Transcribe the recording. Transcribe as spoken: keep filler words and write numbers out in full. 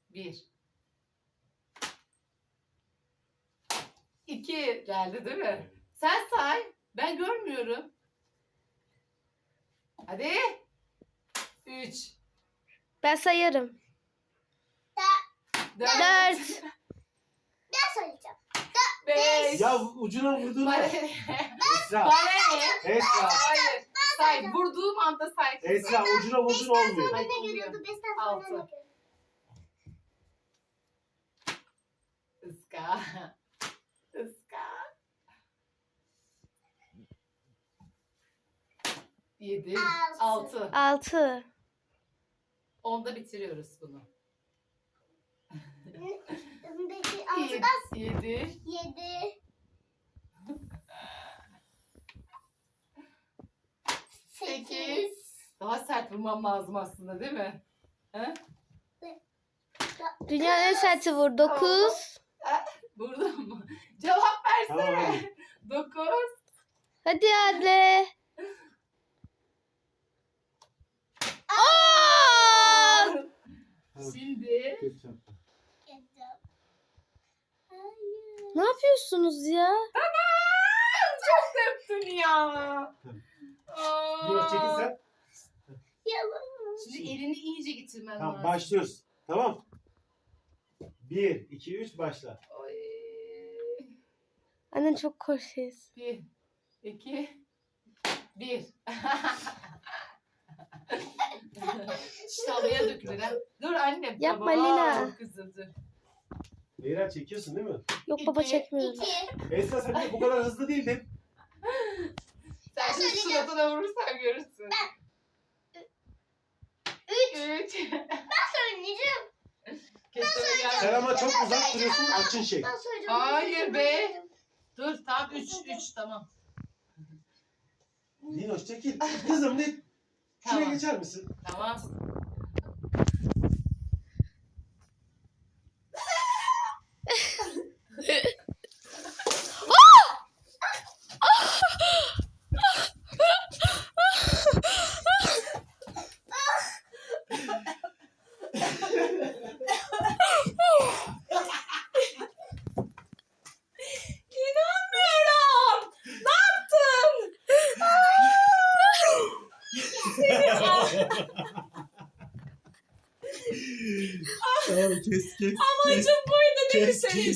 Bir. İki geldi değil mi? Sen say. Ben görmüyorum. Hadi. Üç. Ben sayarım. Dört. Dört. Ben söyleyeceğim. Beş. Ya ucuna vurdun mu? Bana Esra. Bana ne? Esra. Hayır. Say. Vurduğum anda say. kızım. Esra ucuna vurdun olmuyor. Hayır, Ne oluyor. görüyordu? Beşten sonra Altı. ne görüyordu? Iska. Iska. Yedi. Altı. Altı. Altı. Onda bitiriyoruz bunu. Peki altıdan Yedi. yedi. Sekiz. Daha sert vurmam lazım aslında değil mi? He? Dünyanın en serti vur. Dokuz. Vurdum mu? Cevap Tamam versene. hadi. Dokuz. Hadi Adle. Aa! Şimdi Ne yapıyorsunuz ya? çok döktün ya. Yunus çekil Aa. sen. Şimdi elini iyice getirmen Tamam lazım. başlıyoruz. Tamam. Bir, iki, üç başla. Oy. Annen çok korkuyoruz. Bir, iki, bir. İşte havaya dökülür ha. Dur annem. Yapma Baba, Lina. Çok kızım dur. Leyla çekiyorsun değil mi? Yok baba İki, çekmiyorum. İki. Esra sen de bu kadar hızlı değildin. Sen şimdi söyleyeceğim. suratına vurursan görürsün. Üç. Üç. Söyleyeceğim. Kesene gel. Sen ama çok uzak duruyorsun açın şey. Ben söyleyeceğim. Hayır be. Dur tamam üç üç tamam. Linoş çekil. Kızım ne? Şuraya Tamam. geçer misin? Tamam. İnanmıyorum. Ne yaptın? Tamam kes kes. Amacım buydu değil mi senin?